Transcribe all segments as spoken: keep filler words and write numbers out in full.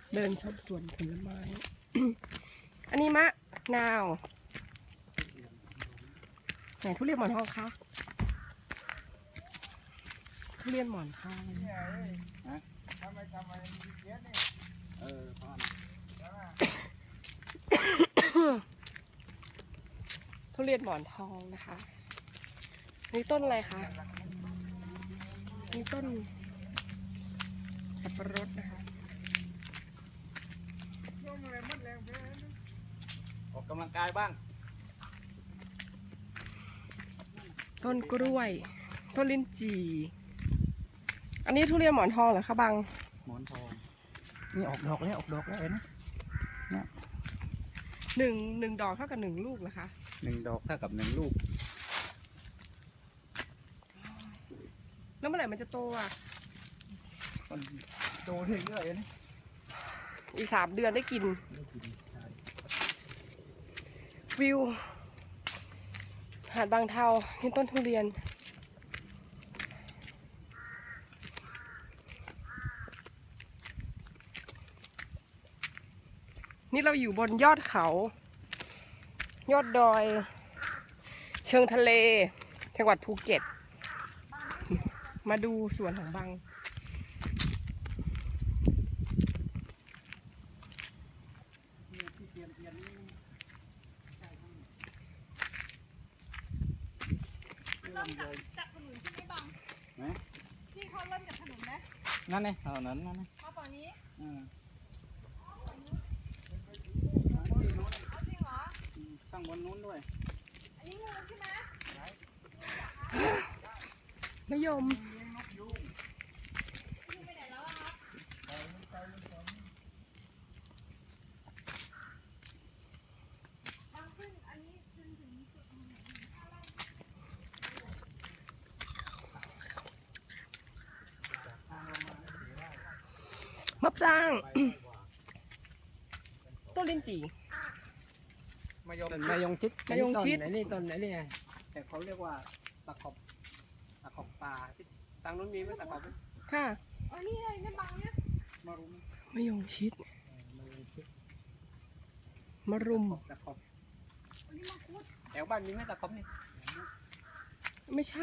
เดินชมสวนผลไม้ อันนี้มะนาวไหนทุเรียนหมอนทองคะทุเรียนหมอนทองเออพอนทุเรียนหมอนทองนะคะนี่ต้นอะไรคะนี่ต้นสับปะรดนะคะออกกำลังกายบ้างต้นกล้วยต้นลิ้นจี่อันนี้ทุเรียนหมอนทองเหรอคะบังหมอนทองนี่ออกดอกแล้วออกดอกแล้วเห็นไหมเนี่ยหนึ่งหนึ่งดอกเท่ากับหนึ่งลูกเหรอคะหนึ่งดอกเท่ากับหนึ่งลูกแล้วเมื่อไหร่มันจะโตอ่ะมันโตเรื่อยๆเลยนะอีกสามเดือนได้กินวิวหาดบางเทานี่ต้นทุเรียนนี่เราอยู่บนยอดเขา ยอดดอย เชิงทะเล จังหวัดภูเก็ต มาดูสวนของบังเริ่มจากจากถนนใช่ไหมบังที่เขาเริ่มจากถนนไหมนั่นไงเท่านั้นนั่นไงมาฝั่งนี้อืมเอาจริงเหรอข้างบนนู้นด้วยอันนี้งูใช่ไหมมะยมงูไปไหนแล้วอะครับทางขึ้นอันนี้จนถึงสุดตรงไหนมะปราง ต้นลิ้นจี่มายงมายงชิดมายงชิดไหนนี่ต้นไหนนี่ไงแต่เขาเรียกว่าตะขบตะขบปลาที่ทางนู้นมีไหมตะขบไหมค่ะอ๋อนี่เลยเนี่ยบังเนี่ยมารุมมะยงชิดเออมายงชิดมะรุมตะขบอันนี้มังคุดแถวบ้านมีไหมตะขบนี่ไม่ใช่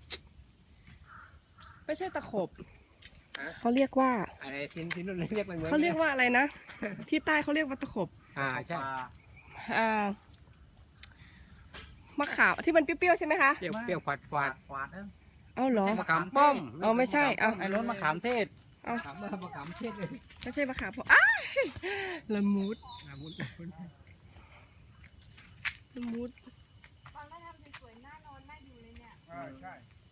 ไม่ใช่ตะขบเขาเรียกว่าไอ้ทินทินนู่นเรียกอะไรเหมือนเขาเรียกว่าอะไรนะ ที่ใต้เขาเรียกว่าตะขบอ่าใช่อ่ามะขามที่มันเปรี้ยวๆใช่ไหมคะเปรี้ยวเปรี้ยวขวาดขวาดขวาดเอ้าเหรอมะขามป้อมเอาไม่ใช่เอาไอ้รถมะขามเทศเอาถามว่ามะขามเทศเลยไม่ใช่มะขามเพราะอ้ายละมุดอาวุธละมุดบังก็ทำสวยๆหน้านอนน่าอยู่เลยเนี่ยใช่ใช่เ